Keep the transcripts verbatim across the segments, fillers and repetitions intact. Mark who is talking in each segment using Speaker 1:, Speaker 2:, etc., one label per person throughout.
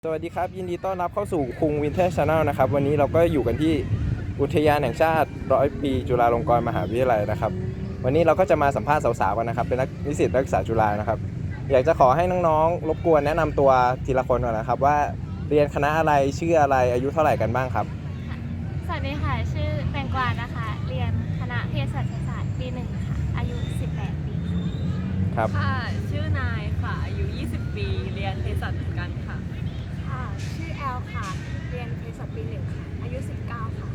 Speaker 1: สวัสดีครับยินดีต้อนรับเข้าสู่คุงวินเทอร์ชาแนลนะครับวันนี้เราก็อยู่กันที่อุทยานแห่งชาติร้อยปีจุฬาลงกรณ์มหาวิทยาลัยนะครับวันนี้เราก็จะมาสัมภาษณ์สาวๆกันนะครับเป็นนักนิสิตนักศึกษาจุฬานะครับอยากจะขอให้น้องๆรบกวนแนะนำตัวทีละคนก่อนนะครับว่าเรียนคณะอะไรชื่ออะไรอายุเท่าไหร่กันบ้างครับ
Speaker 2: สวัสดีค่ะชื่อแตงกวานะคะเรียนคณะเภสัชศาสตร์ปีหนึ่งค่ะอายุสิบแปดปี
Speaker 1: ครับ
Speaker 3: ค่ะชื่อนายค่ะอายุยี่สิบปีเรียนเภสัชเหมือนกันค่ะ
Speaker 4: ค่ะชื่อแอลค่ะเรียนเภสัชปีหนึ่งค่ะอายุสิบเก้าค่ะ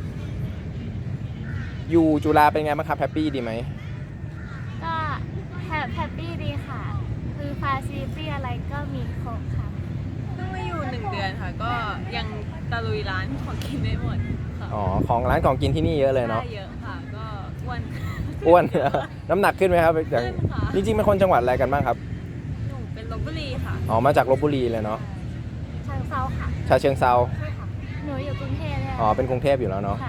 Speaker 1: อยู่จุฬาเป็นไงบ้างครับแฮปปี้ดีไหม
Speaker 2: ก็แฮปปี้ดีค่ะคือฟาซิลิตี้อะไรก็มีครบค่ะ
Speaker 3: เพิ่งมาอยู่หนึ่งเดือนค่ะก็ยังตะลุยร้านของกินได้หมดค่ะ
Speaker 1: อ๋อของร้านของกินที่นี่เยอะเลยเนาะ
Speaker 3: ได้เยอะค่ะก็อ้วน
Speaker 1: อ้วน น้ำหนักขึ้นไหมครับอย่าง
Speaker 3: ขึ้นค่ะ
Speaker 1: จริงๆเป็นคนจังหวัดอะไรกันบ้างครับ
Speaker 3: หนูเป็นลพบุรีค่ะ
Speaker 1: อ๋อมาจากลพบุรีเลยเนาะ
Speaker 2: เชิงเซาค่ะ
Speaker 1: ชาเชิงเซา
Speaker 4: ใช่ค่ะ
Speaker 2: หนูอยู่กรุงเทพเลย
Speaker 1: อ๋อเป็นกรุงเทพอยู่แล้วเนาะ
Speaker 2: ค่ะ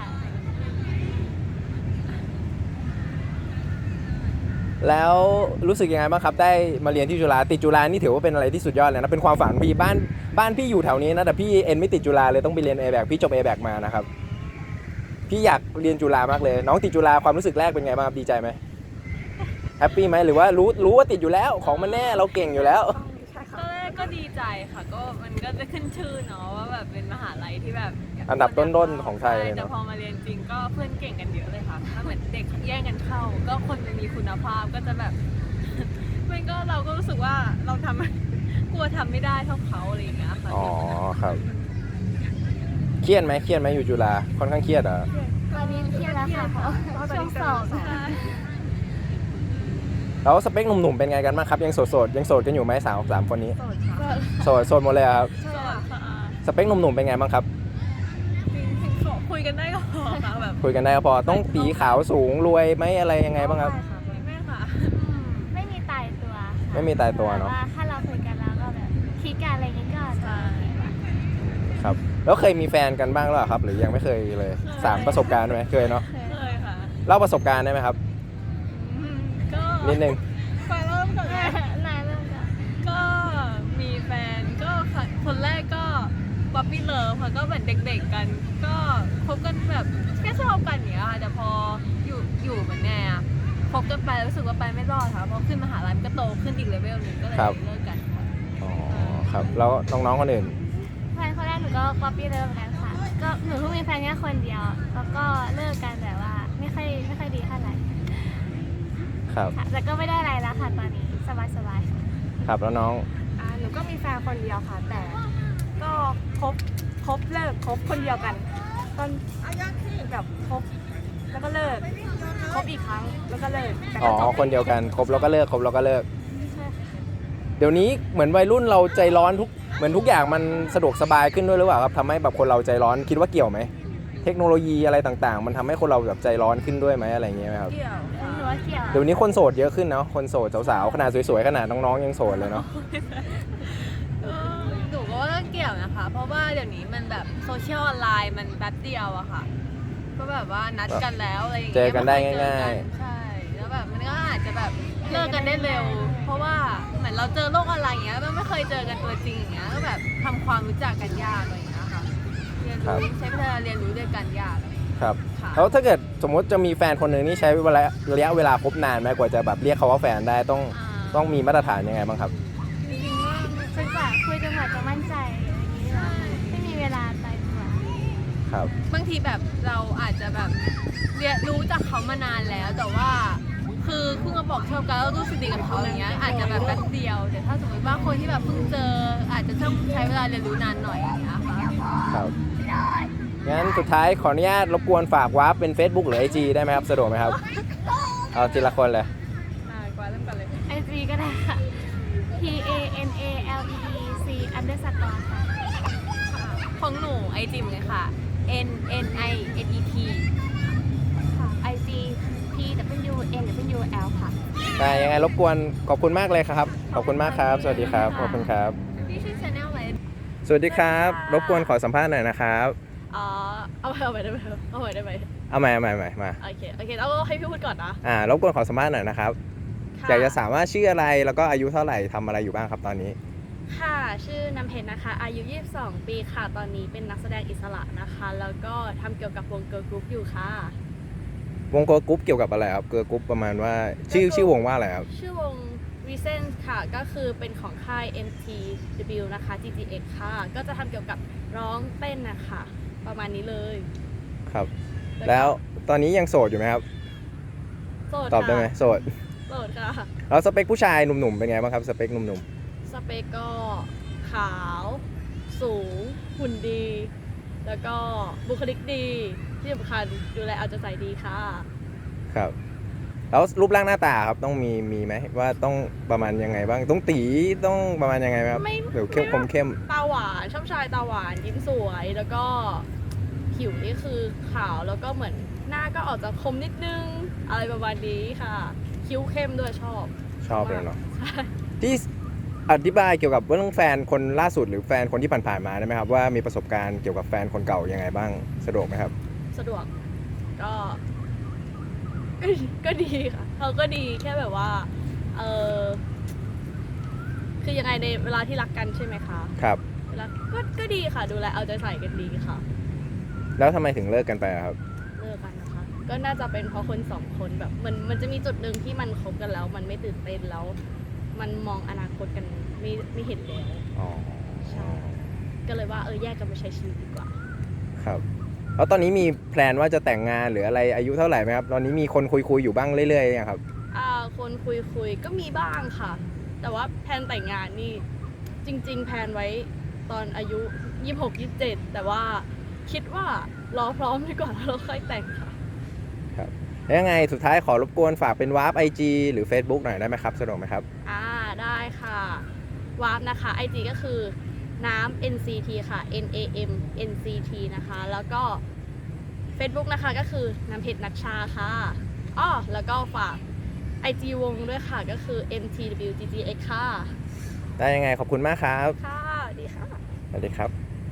Speaker 1: แล้วรู้สึกยังไงบ้างครับได้มาเรียนที่จุฬาติดจุฬานี่ถือว่าเป็นอะไรที่สุดยอดเลยนะเป็นความฝันพี่บ้านบ้านพี่อยู่แถวนี้นะแต่พี่เอ็นไม่ติดจุฬาเลยต้องไปเรียน เอ แบค พี่จบ เอ แบค มานะครับพี่อยากเรียนจุฬามากเลยน้องติดจุฬาความรู้สึกแรกเป็นไงบ้างครับดีใจไหมแฮปปี้ไหมหรือว่ารู้รู้ว่าติดอยู่แล้วของมันแน่เราเก่งอยู่แล้ว
Speaker 4: ใช่
Speaker 3: ต
Speaker 4: ค่ะ
Speaker 3: อนแรกก็ดีใจค่ะก็มันก็จะขึ้นชื่อเนาะว่าแบบเป็นมหาลัยที่แบบ
Speaker 1: อันดับต้นๆของไทยเลย
Speaker 3: แต่
Speaker 1: เนาะ
Speaker 3: พอมาเรียนจริงก็เพื่อนเก่งกันเยอะเลยค่ะถ้าเหมือนเด็กแย่งกันเข้าก็คนมันมีคุณภาพก็จะแบบ มันก็เราก็รู้สึกว่าเราทำ กลัวทำไม่ได้เท่าเขาอะไรอย่างเงี้ยค่ะ
Speaker 1: อ๋อครับเครียดไหมเครียดไหมอยู่จุฬาค่อนข้างเครียดเหรอ
Speaker 2: ตอนนี้เครียดแล้วค่ะเพราะช่วงสอบ
Speaker 1: แล้วสเปคหนุ่มๆเป็นไงกันบ้างครับยังโสดๆยังโสดกันอยู่ไหมสาวสามคนนี้
Speaker 4: โสดค่ะ
Speaker 1: โสดโสดหมดเลยครับ
Speaker 4: ใช่
Speaker 3: สวัส
Speaker 4: ค่ะ
Speaker 3: ดีค่ะ
Speaker 1: สเปคหนุ่มๆเป็นไงบ้างครับ
Speaker 3: จริงๆขอคุยกันได้ก็พอค่ะแบบ
Speaker 1: คุยกันได้ก็พอต้องตีขาวสูงรวยไหมอะไรยังไงบ้างครับ
Speaker 3: ไม่ค่ะ
Speaker 2: ไม่มีตายตัวค่ะ
Speaker 1: ไม่มีตายตัวเนอะ
Speaker 2: แต่ว่าถ้าเราคุยกันแล้วก็แบบคิดกันอะไรอย่างงี้ก็จะโอเคกว่า
Speaker 1: ครับแล้วเคยมีแฟนกันบ้างหรือเปล่าครับหรือยังไม่เคยเลยสามประสบการณ์ไหมเคยเนาะ
Speaker 3: เคยค่ะ
Speaker 1: เล่าประสบการณ์ได้ไหมครับ
Speaker 3: อืมก็
Speaker 1: นิดนึง
Speaker 3: ไปเริ่มก่อนเลย
Speaker 2: นายเริ่มก่อน
Speaker 3: ก็มีแฟนก็ค่ะคนแรกก็ป๊อปปี้เลิฟค่ะก็เหมือนเด็กๆกัน ก็คบกันแบบแค่ชอบกันอย่างเงี้ยค่ะแต่พออยู่อยู่เหมือนแน่อะคบกันไปรู้สึกว่าไปไม่รอดค่ะเพราะขึ้นมหาลัยมันก็โตขึ้นอีกเลเวลหนึ่งก็เลย
Speaker 1: ครับ
Speaker 3: เลิกกันค่ะ
Speaker 1: อ๋อครับแล้วน้องๆคนอื่น
Speaker 2: แฟนคนแรกหนูก็ป๊อปปี้เลิฟกันค่ะก็หนูเพิ่งมีแฟนแค่คนเดียวแล้วก็เลิกกันแบบว่าไม่ค่อยไม่ค่อยดีเท่าไหร่
Speaker 1: ครับ
Speaker 2: ค่ะแต่ก็ไม่ได้อะไรแล้วค่ะตอนนี้สบายสบายๆค่ะ
Speaker 1: ครับแล้วน้อง
Speaker 4: อ่าหนูก็มีแฟนคนเดียวค่ะ แต่ก็คบคบเลิกคบคนเดียวกันตอนแบบคบแล้วก็เลิกคบอีกครั้งแล้วก็เลิกแต่
Speaker 1: อ๋
Speaker 4: ก็
Speaker 1: อ
Speaker 4: จบ
Speaker 1: คนเดียวกันครบแล้วก็เลิกครบแล้วก็เลิก
Speaker 4: ใช่ค่ะ
Speaker 1: เดี๋ยวนี้เหมือนวัยรุ่นเราใจร้อนทุกเหมือนทุกอย่างมันสะดวกสบายขึ้นด้วยหรือเปล่าครับทำให้แบบคนเราใจร้อนคิดว่าเกี่ยวไหมเทคโนโลยีอะไรต่างๆ มันทำให้คนเราแบบใจร้อนขึ้นด้วยไหมอะไรอย่างเงี้ยไหมครับ
Speaker 3: เกี่ยว
Speaker 2: ห
Speaker 3: ค่ะ
Speaker 2: นูว่าเกี่ยว
Speaker 1: เดี๋ยวนี้คนโสดเยอะขึ้นเนาะคนโสดสาวๆขนาดสวยๆขนาดน้องๆยังโสดเลยเนาะ
Speaker 3: เออหนูก็ว่าเกี่ยวนะคะ เพราะว่าเดี๋ยวนี้มันแบบโซเชียลออนไลน์มันแป๊บเดียวอะค่ะ ก็แบบว่านัดกันแล้วอะไรอย่าง
Speaker 1: เจ
Speaker 3: เงี้
Speaker 1: อกันได้ง่าย
Speaker 3: ๆใช่แล้วแบบมันก็อาจจะแบบเลิกกันได้เร็ว เพราะว่าเหมือนเราเจอโลกออนไลน์อย่างเงี้ยมันไม่เคยเจอกันตัวจริงอย่างเงี้ยก็แบบทำความรู้จักกันยากอะไรอย่างเงี้ยค่ะเรียนรู้ใช้เวลาเรียนรู้ด้วยกันยาก
Speaker 1: ครับ
Speaker 3: ค่ะ
Speaker 1: แล้วถ้าเกิดสมมติจะมีแฟนคนหนึ่งนี่ใช้เวลาระยะเวลาคบนานไหมกว่าจะแบบเรียกเขาว่าแฟนได้ต้อง
Speaker 3: า
Speaker 1: ต้องมีมาตรฐานยังไงบ้างครับ
Speaker 2: จริงๆว่าจนกว่าคุยจนกว่าจะมั่นใจอย่างนี้เหรอไม่มีเวลาตายตัว
Speaker 1: ครับ
Speaker 3: บางทีแบบเราอาจจะแบบเรียนรู้จากเขามานานแล้ว แต่ว่าคือเพิ่งมาบอกชอบกันแล้วรู้สึกดีกับเขาอย่างเงี้ยอาจจะแบบแป๊บเดียวแต่ถ้าสมมติว่าคนที่แบบเพิ่งเจออาจจะต้องใช้เวลาเรียนรู้นานหน่อยอย่างเงี้ยค่ะ
Speaker 1: ครับงั้นสุดท้ายขออนุญาตรบกวนฝากวาร์ปเป็น Facebook หรือ ไอ จี ได้ไหมครับสะดวกไหมครับเอาทีละคนเลย
Speaker 3: อ่ากว่าเริ่มกันเลย
Speaker 2: ไอจีก็ได้ค่ะ P A N A L E E C underscore ค่ะ
Speaker 3: ของหนูไอจิมเลยค่ะ N N I N E T
Speaker 4: ค่ะ
Speaker 2: ไอ จี P W N W L ค่ะ
Speaker 1: ได้ยังไงรบกวนขอบคุณมากเลยครับ ขอบคุณมากครับ สวัสดีครับ ขอบคุณครับ
Speaker 3: พี่ชื่อชาแนลอะไร
Speaker 1: สวัสดีครับ รบกวนขอสัมภาษณ์หน่อยนะครับ
Speaker 3: อ๋อเอาไปเอาไปได้ไหมเอาไปได้ไหม
Speaker 1: เอาใหม่เอาใหม่เอาใหม่มา
Speaker 3: โอเคโอเคแล้วให้พี่พูดก่อนนะ
Speaker 1: อ่ารบกวนขอสัมภาษณ์หน่อยนะครับ
Speaker 3: ค่ะ
Speaker 1: อยากจะถามว่าชื่ออะไรแล้วก็อายุเท่าไหร่ทำอะไรอยู่บ้างครับตอนนี้
Speaker 5: ค่ะ ชื่อน้ำเพชรนะคะ อายุ ยี่สิบสอง ปีค่ะ ตอนนี้เป็นนักแสดงอิสระนะคะ แล้วก็ทำเกี่ยวกับวงเกิร์ลกรุ๊ปอยู่ค่ะ
Speaker 1: วงเกิร์ลกรุ๊ปเกี่ยวกับอะไรครับเกิร์ลกรุ๊ปประมาณว่าชื่อชื่อวงว่าอะไรครับ
Speaker 5: ชื่อวง Recent ค่ะ ก็คือเป็นของค่าย เอ็ม ที ดับเบิลยู นะคะ จี จี เอ็กซ์ ค่ะ ก็จะทำเกี่ยวกับร้องเต้นนะคะ ประมาณนี้เลย
Speaker 1: ครับ แล้วตอนนี้ยังโสดอยู่ไหมครับ
Speaker 5: โสด
Speaker 1: ตอบได้ไหม
Speaker 5: ค่ะ
Speaker 1: โสด
Speaker 5: โสดค่ะ
Speaker 1: แล้วสเปคผู้ชายหนุ่มๆเป็นไงบ้างครับสเปคหนุ่ม
Speaker 5: สเปกก็ขาว สูง หุ่นดี แล้วก็บุคลิกดี ที่สำคัญดูแลเอาใจใส่ดีค่ะ
Speaker 1: ๆครับแล้วรูปร่างหน้าตาครับต้องมีมีไหมว่าต้องประมาณยังไงบ้างต้องตีต้องประมาณยังไงไหมครับ
Speaker 5: ไม่
Speaker 1: เดี๋ยวเข้มคมเข้ม
Speaker 5: ตาหวานชอบชายตาหวานยิ้มสวย แล้วก็ผิวนี่คือขาวแล้วก็เหมือนหน้าก็ออกจะคมนิดนึง อะไรประมาณนี้ค่ะ คิ้วเข้มด้วยชอบ
Speaker 1: ชอบเลยเนาะ
Speaker 5: ใช่
Speaker 1: ที่อธิบายเกี่ยวกับเรื่องแฟนคนล่าสุดหรือแฟนคนที่ผ่านๆมาได้ไหมครับว่ามีประสบการณ์เกี่ยวกับแฟนคนเก่ายังไงบ้างสะดวกไหมครับ
Speaker 5: สะดวกก็ก็ ก็ดีค่ะเขาก็ดีแค่แบบว่าเออคือยังไงในเวลาที่รักกันใช่ไหมคะ
Speaker 1: ครับ
Speaker 5: เวลาก็ก็ดีค่ะ ดูแลเอาใจใส่กันดีค่ะ
Speaker 1: แล้วทำไมถึงเลิกกันไปอะครับ
Speaker 5: เลิกกันนะคะ ก็น่าจะเป็นเพราะคนสองคนแบบมันมันจะมีจุดหนึ่งที่มันคบกันแล้ว มันไม่ตื่นเต้นแล้ว มันมองอนาคตกันไม่ไม่เห็นแล้ว
Speaker 1: อ๋อ
Speaker 5: ใช่ ก็เลยว่าเออแยกกันมาใช้ชีวิตดีกว่า
Speaker 1: ครับแล้วตอนนี้มีแพลนว่าจะแต่งงานหรืออะไรอายุเท่าไหร่ไหมครับตอนนี้มีคนคุยคุยๆอยู่บ้างเรื่อยๆยังครับ
Speaker 5: อ่าคนคุยคุยก็มีบ้างค่ะ แต่ว่าแพลนแต่งงานนี่จริง ๆ แพลนไว้ตอนอายุ ยี่สิบหก ยี่สิบเจ็ด แต่ว่าคิดว่ารอพร้อมดีกว่าแล้วเราค่อยแต่งค่ะ
Speaker 1: ครับแล้วยังไงสุดท้ายขอรบกวนฝากเป็นวาร์ปไอจีหรือ Facebook หน่อยได้ไหมครับสะดวกไหมครับ
Speaker 5: อ่าได้ค่ะ วาร์ปนะคะ ไอ จี ก็คือน้ำ เอ็น ซี ที ค่ะ N A M N C T นะคะ แล้วก็ Facebook นะคะก็คือน้ำเพชรนัชชาค่ะอ้อแล้วก็ฝาก ไอ จี วงด้วยค่ะ ก็คือ เอ็ม ที ดับเบิลยู จี จี เอ็กซ์ ค่ะ
Speaker 1: ได้ยังไงขอบคุณมากครับ
Speaker 5: ค่ะ ดีค่ะ
Speaker 1: สวัสดีครับ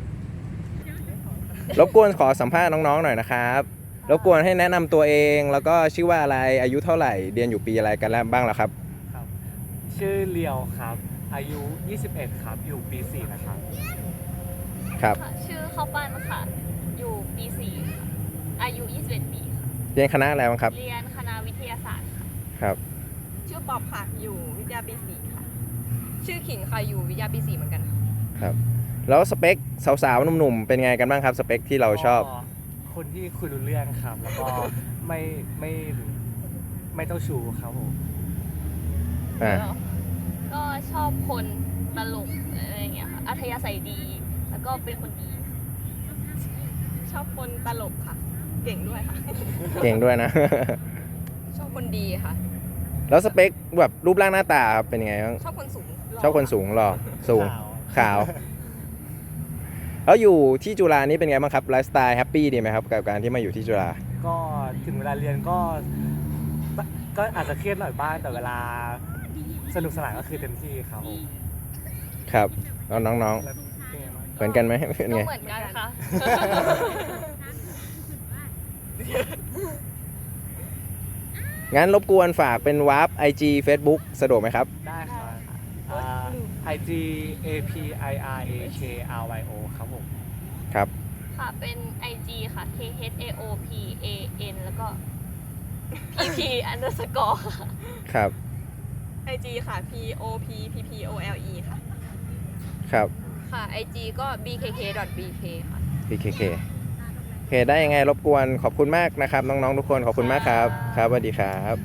Speaker 1: รบกวนขอสัมภาษณ์น้องๆหน่อยนะครับ รบกวนให้แนะนำตัวเองแล้วก็ชื่อว่าอะไรอายุเท่าไหร่เรียนอยู่ปีอะไรกันแล้วบ้างแล้วครับ
Speaker 6: ครับ ชื่อเลียวครับ อายุ ยี่สิบเอ็ด ครับ อยู่ปี สี่ นะครับ
Speaker 1: ครับ
Speaker 2: ค่ะชื่อข้าวปั้นค่ะ อยู่ปีสี่ค่ะอายุ ยี่สิบเอ็ด ปีค่ะ
Speaker 1: เรียนคณะอะไรบ้างครับ
Speaker 2: เรียนคณะวิทยาศาสตร์ค่ะ
Speaker 1: ครับ
Speaker 4: ชื่อป๊อบค่ะ อยู่วิทยาปีสี่ค่ะ ชื่อขิงค่ะ อยู่วิทยาปีสี่เหมือนกันค่ะ
Speaker 1: ครับ แล้วสเปคสาวๆหนุ่มๆเป็นไงกันบ้างครับสเปคที่เราชอบ
Speaker 6: ก็คนที่คุยรู้เรื่องครับ แล้วก็ไม่ไม่ไม่เจ้าชู้ครับผม
Speaker 1: อ่า
Speaker 2: ก็ชอบคนตลกอะไรอย่างเงี้ยค่ะ อัธยาศัยดี แล้วก็เป็นคนดี
Speaker 4: ชอบคนตลกค่ะ เก่งด้วยค่ะ
Speaker 1: เก่งด้วยนะ
Speaker 4: ชอบคนดีค่ะ
Speaker 1: แล้วสเปคแบบรูปร่างหน้าตาครับเป็นยังไงบ้าง
Speaker 4: ชอบคนสูงหล่
Speaker 1: ชอบคนสูงหรอสูง
Speaker 6: ขาว
Speaker 1: ขาว แล้วอยู่ที่จุฬานี่เป็นไงบ้างครับไลฟ์สไตล์แฮปปี้ดีไหมครับกับการที่มาอยู่ที่จุฬา
Speaker 6: ก็ถึงเวลาเรียนก็ก็อาจจะเครียดหน่อยบ้างแต่เวลาสนุกสนานก็คือเต็มที่ครับผม
Speaker 1: ครับแล้วน้อง
Speaker 6: แล้วเป็นไงบ้าง
Speaker 1: ๆเหมือนกันไหมเป็น
Speaker 2: ก็
Speaker 1: ไง
Speaker 2: เหมือนกันค่ะ
Speaker 1: งั้นรบกวนฝากเป็นวาร์ป ไอ จี Facebook สะดวกไหมครับ
Speaker 6: ได้ครับอ่า ไอ จี เอ พี ไอ อาร์ เอ เค อาร์ วาย โอ ครับผม
Speaker 1: ครับ
Speaker 2: ค่ะ เป็น ไอ จี ค่ะ K H A O P A N แล้วก็ P P underscore ค่ะ
Speaker 1: ครับ
Speaker 4: ไอ จี ค่ะ P O P P P O L E ค่ะ
Speaker 1: ครับ
Speaker 4: ค่ะ ไอ จี ก็ b k k b k ค่ะ
Speaker 1: พี เค เค โอเคได้ยังไงรบกวนขอบคุณมากนะครับน้องๆทุกคนขอบคุณมากครับครับสวัสดีครับ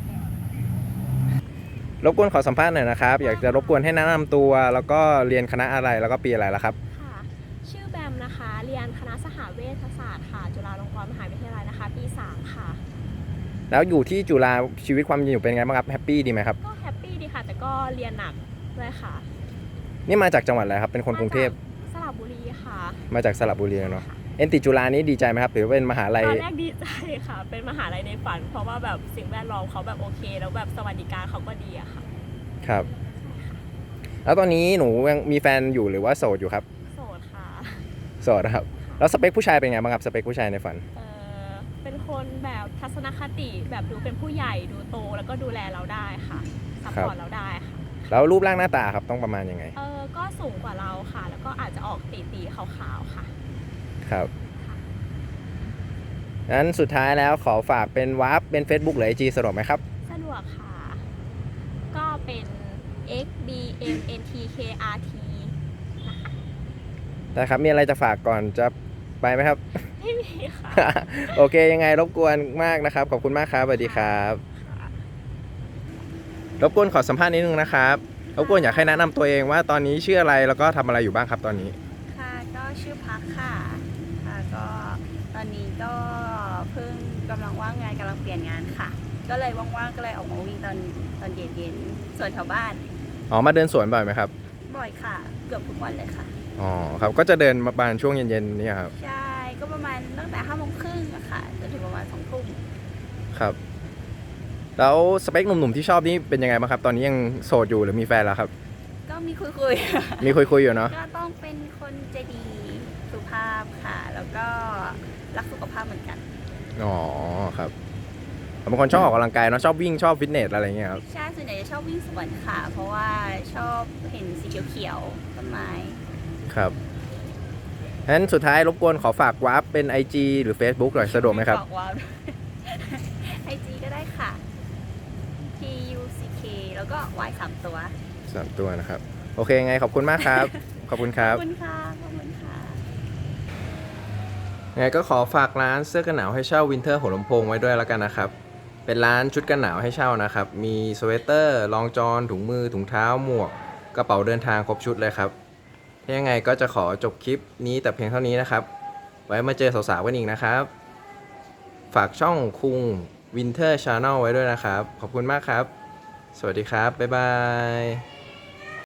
Speaker 1: รบกวนขอสัมภาษณ์หน่อยนะครับอยากจะรบกวนให้แนะนำตัวแล้วก็เรียนคณะอะไรแล้วก็ปีอะไรแล้วครับ
Speaker 7: ค่ะ ชื่อแบมนะคะ เรียนคณะสหเวชศาสตร์ค่ะ จุฬาลงกรณ์มหาวิทยาลัยนะคะ ปีสามค่ะ
Speaker 1: แล้วอยู่ที่จุฬาชีวิตความเป็นอยู่เป็นไงบ้างครับแฮปปี้ดีไหมครับ
Speaker 7: ก็แฮปปี้ดีค่ะ แต่ก็เรียนหนักด้วยค่ะ
Speaker 1: นี่มาจากจังหวัดอะไรครับเป็นคนกรุงเทพ
Speaker 7: สระบุรีค่ะ
Speaker 1: มาจากสระบุรีเนาะเอ็นติดจุฬานี้ดีใจไหมครับถือว่าเป็นมหาลัย
Speaker 7: ตอนแรกดีใจค่ะ เป็นมหาลัยในฝัน เพราะว่าแบบสิ่งแวดล้อมเขาแบบโอเค แล้วแบบสวัสดิการเขาก็ดีอะค่ะ
Speaker 1: ครับ แล้วตอนนี้หนูยังมีแฟนอยู่หรือว่าโสดอยู่ครับ
Speaker 7: โสดค่ะ
Speaker 1: โสดนะครับแล้วสเปคผู้ชายเป็นไงบ้างครับสเปคผู้ชายในฝัน
Speaker 7: เออเป็นคนแบบทัศนคติแบบดูเป็นผู้ใหญ่ดูโตแล้วก็ดูแลเราได้ค่ะซัพพอร์ตเราได้ค่ะ
Speaker 1: แล้วรูปร่างหน้าตาครับต้องประมาณยังไง
Speaker 7: เออก็สูงกว่าเราค่ะ แล้วก็อาจจะออกตีๆขาวๆค่ะ
Speaker 1: ครับงั้นสุดท้ายแล้วขอฝากเป็นวาร์ปเป็น Facebook หรือ ไอ จี สะดวกไหมครับ
Speaker 7: สะดวกค่ะ ก็เป็น x b m n t k r t
Speaker 1: ได้ครับ มีอะไรจะฝากก่อนจะไปไหมครับ
Speaker 7: ไม่มีค่ะ
Speaker 1: โอเค ยังไงรบกวนมากนะครับ ขอบคุณมากครับ สวัสดีครับ รบกวนขอสัมภาษณ์นิดนึงนะครับ รบกวนอยากให้แนะนำตัวเองว่าตอนนี้ชื่ออะไรแล้วก็ทำอะไรอยู่บ้างครับตอนนี้
Speaker 5: ค่ะก็ชื่อพักค่ะค่ะก็ตอนนี้ก็เพิ่งกำลังว่างงานกำลังเปลี่ยนงานค่ะ ก็เลยว่างๆก็เลยออกมาวิ่งตอนตอนเย็นๆส่วนแถวบ้าน
Speaker 1: อ๋อ มาเดินสวนบ่อยไหมครับ
Speaker 5: บ่อยค่ะ เกือบทุกวันเลยค่ะ
Speaker 1: อ๋อ ครับ ก็จะเดินมาประมาณช่วงเย็นๆนี่ครับ
Speaker 5: ใช่ก็ประมาณตั้งแต่ห้าโมงครึ่งอะค่ะจนถึงประมาณสองทุ่ม
Speaker 1: ครับ แล้วสเปคหนุ่มๆที่ชอบนี่เป็นยังไงบ้างครับ ตอนนี้ยังโสดอยู่หรือมีแฟนแล้วครับ
Speaker 5: ก็มีคุยคุย
Speaker 1: มีคุยๆอยู่เนาะ
Speaker 5: ก็ต้องเป็นคนใจดีสุภาพค่ะ แล้วก็รักสุขภาพเหมือนกัน
Speaker 1: อ๋อ ครับผมเป็นคนชอบออกกำลังกายเนาะ ชอบวิ่ง ชอบฟิตเนสอะไรอย่างเงี้ยครับ
Speaker 5: ใช่ส่วนใหญ่จะชอบวิ่งสวนค่ะ เพราะว่าชอบเห็นสีเขียวๆต้นไม้
Speaker 1: ครับงั้นสุดท้ายรบกวนขอฝากวาร์ปเป็น ไอ จี หรือ Facebook หน่อยสะดวกไหมครับ
Speaker 5: อกว่า ไอจีก็ได้ค่ะ T U C K แล้วก็ Y สามตัว
Speaker 1: สามตัวนะครับ โอเคไงขอบคุณมากครับ ขอบคุณครับ
Speaker 5: ขอบคุณค่ะ ขอบคุณค่ะ
Speaker 1: ไงก็ขอฝากร้านเสื้อกันหนาวให้เช่าวินเทอร์หัวลำโพงไว้ด้วยแล้วกันนะครับ เป็นร้านชุดกันหนาวให้เช่านะครับ มีสเวตเตอร์รองจอนถุงมือถุงเท้าหมวกกระเป๋าเดินทางครบชุดเลยครับถ้ายังไงก็จะขอจบคลิปนี้แต่เพียงเท่านี้นะครับ ไว้มาเจอสาวๆกันอีกนะครับ ฝากช่องคุงวินเทอร์ชาแนลไว้ด้วยนะครับ ขอบคุณมากครับ สวัสดีครับ บ๊ายบาย